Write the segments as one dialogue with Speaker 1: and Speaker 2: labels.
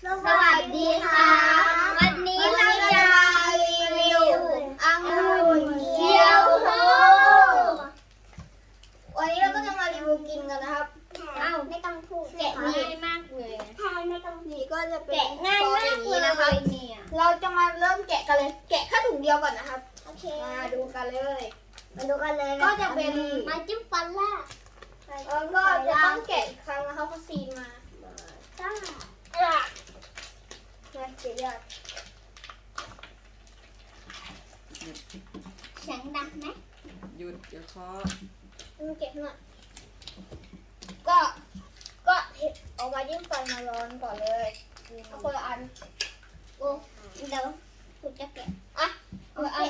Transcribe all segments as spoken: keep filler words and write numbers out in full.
Speaker 1: สวัสดีค่ะวันนี้เราจะรีวิวองุ่นเกี๊ยวโฮวันนี้เราก็จะมารีวิวกินกันนะครับอ้าวไม่ต้องพูดแกะง่ายมากเลยใช่ไม่ต้องนี่ก็จะเป็นแกะง่ายมากเลยนะคะเราจะมาเริ่มแกะกันเลยแกะแค่ถุงเดียวก่อนนะครับโอเคมาดูกันเลยมาดูกันเลยก็จะเป็นมาจิ้มฟันล่ะแล้วก็จะต้องแกะอีกครั้งนะคะเพราะซีนมาจ้าน่าเกลียดเสียงดังไหม
Speaker 2: หยุดเดี๋ยวเคาะ
Speaker 1: มันเก็บหน่อยก็ก็เอาไว้ยิ่งไฟมาร้อนก่อนเลยเอาคนละอันโอ้เดี๋ยวคุณจะแกะอ่ะเอาอัน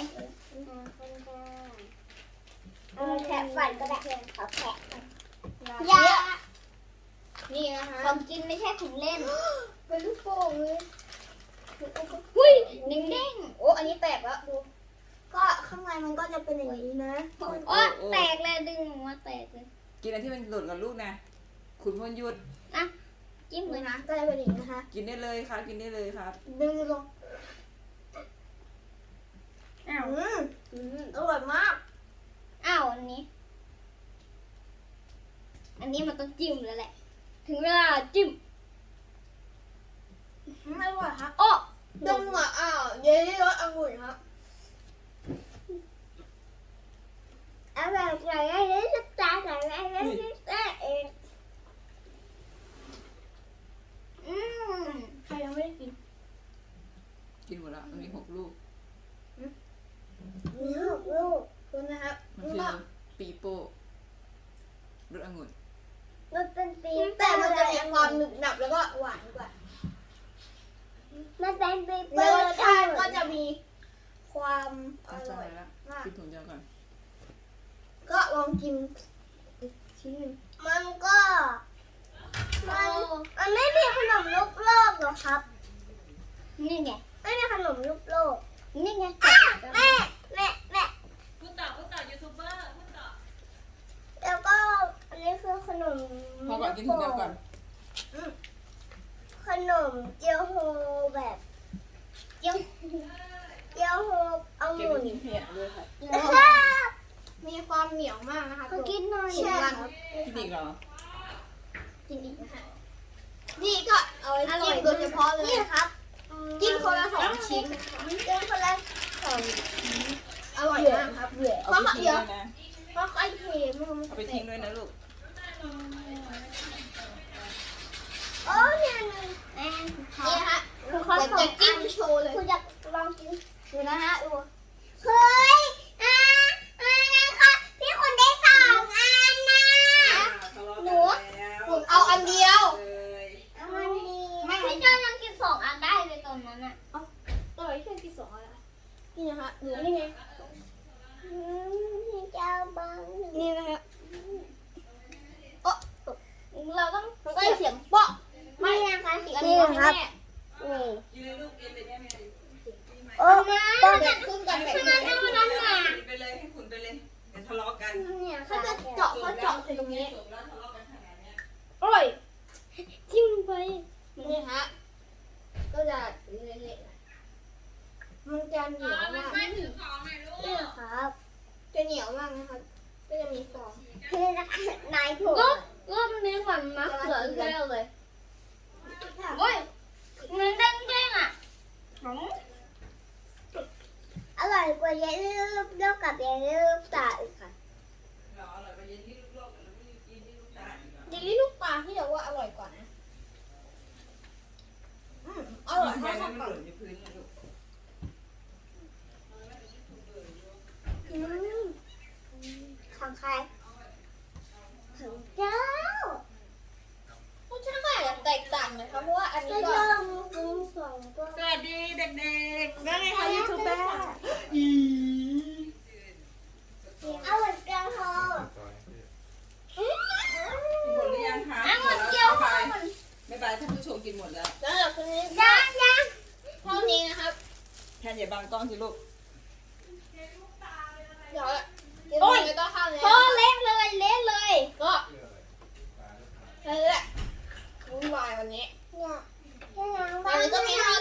Speaker 1: เอาแทะฟันก็ได้ขอแทะยานี่นะคะของกินไม่ใช่ของเล่นเป็นลูกโป่งเลยหุ้ยเด้งๆโอ้อันนี้แตกแล้วดูก็ข้างในมันก็จะเป็นอย่างนี้นะโอ้แตกเลยดึงออกมาแตกเลย
Speaker 2: กินอันที่มันหล่นกับลูกนะคุณพลหยุด
Speaker 1: อ่ะจิ้มเลยนะก็จะเป็นอย่างนี้นะคะ
Speaker 2: กินได้เลยครับกินได้เลยครับ
Speaker 1: ดึงลงอ้าวอืมอร่อยมากอ้าวอันนี้อันนี้มันต้องจิ้มแล้วแหละถึงเวลาจิ้มไม่ไหวฮะโอ้ดมอ่ะอ้าวเยลลี่รสองุ่นครับอะไรอะไรอะไรสักจานอะไรอะไรอะไรเองอืมใครยังไม่ได้กิน
Speaker 2: กินหมดละมีหกลูก
Speaker 1: มีหกลูกคุณนะครับ
Speaker 2: มันคือปีโป้รสองุ่น
Speaker 1: มันเป็นปีแต่มันจะมีความหนึบหนับแล้วก็หวานกว่ามันเป็นปีโป้รสชาติก็จะมีความอร่อยมาก
Speaker 2: กินถุงเดียวก่อน
Speaker 1: ก็ลองกินชิ้นหนึ่งมันก็มันมันไม่มีขนมลูกโลกหรอครับนี่ไงไม่มีขนมลูกโลกนี่ไงแม่แม่แม่
Speaker 2: พูดต่อพูดต่อยูทูบเบอร์พูดต่อ
Speaker 1: แล้วก็อันนี้คือขนม
Speaker 2: พอก่อนกินถุงเดียวก่อน
Speaker 1: ขนมเจียวโฮแบบเจียวเจียวโฮเอาหมุน
Speaker 2: เพียด้วยค่ะ
Speaker 1: มีความเหนียวมากนะคะกินหน่อยใช่ครับ
Speaker 2: กินอีกเหรอ
Speaker 1: กินอีกนะคะนี่ก็เอาไว้จิ้มโดยเฉพาะเลยนี่ครับจิ้มคนละสองชิ้นจิ้มคนละสองอร่อยมากครับเพราะเขาเยอะเพราะไอ้เค็ม
Speaker 2: เอาไปทิ้งด้วยนะลูก
Speaker 1: โอ้เนี่ยนี่ฮะเขาจะจิ้มโชว์เลยคุณอยากลองกินดูนะฮะดูเฮ้ยอ่าอ่านะคะพี่คุณได้สองอันนะหนูคุณเอาอันเดียวเอาอันเดียวไม่ไม่เจ้ายังกินสองอันได้เลยตอนนั้นอ่ะเอ้าตัวไหนที่กินสองอันละนี่นะคะหนูนี่ไงนี่เจ้าบังนี่นะคะโอ้เราต้องได้เสียงเปาะไม่นะคะอีกอันนี้ครับนี่โอ้มาต้องแบ่งครึ่งกันแบบนี้ให้มันนั่นน่ะ
Speaker 2: ไปเลยให้คุณไปเลยเดี๋ยวทะเลาะกัน
Speaker 1: เนี่ยเขาจะเจาะเขาเจาะใส่ตรงนี้อร่อยจิ้มลงไปนี่ฮะก็จะเละๆมันจะเหนียวมากนี่ครับจะเหนียวมากนะครับก็จะมีฟองคือนายถูกก็ก็มันนี้เหมือนมะเขือเทศเลยโอ้ยเนื้อเด้งๆอ่ะอร่อยกว่าเยลลี่ลูกโลกกับเยลลี่ลูกตาอีกค่ะ
Speaker 2: อร่อยกว่าเยลลี่ลูกโลกแล้วไม่เยลลี่ลูกตาอีก
Speaker 1: เยลลี่ลูกตาที่เรียกว่าอร่อยกว่านะอืมอร่อยมากค่ะอืมของใครของเจ้ารสชาติก็อาจจะแตกต่างนะคะเพราะว่าอันนี้ก็กินสองตัว
Speaker 2: สวัสดีเด็กๆว่าไงคะยูทูบเบอร์อี
Speaker 1: เอาหมดเกลียวโฮ
Speaker 2: กินหมดหรือยังคะ
Speaker 1: เอาหมดเกลียวโฮ
Speaker 2: ไม่บายท่านผู้ชมกินหมดแล้ว
Speaker 1: แล้วเดี๋ยวคืนนี้ยังยังเท่านี้นะครับ
Speaker 2: แทนอย่าบังกล้องสิลูก
Speaker 1: เดี๋ยวโอ้ยไม่ต้องข้าวเลยพอเละเลยเละเลยก็นั่นแหละวุ่นวายวันนี้เนี่ยจะล้างบ้ก็มีให้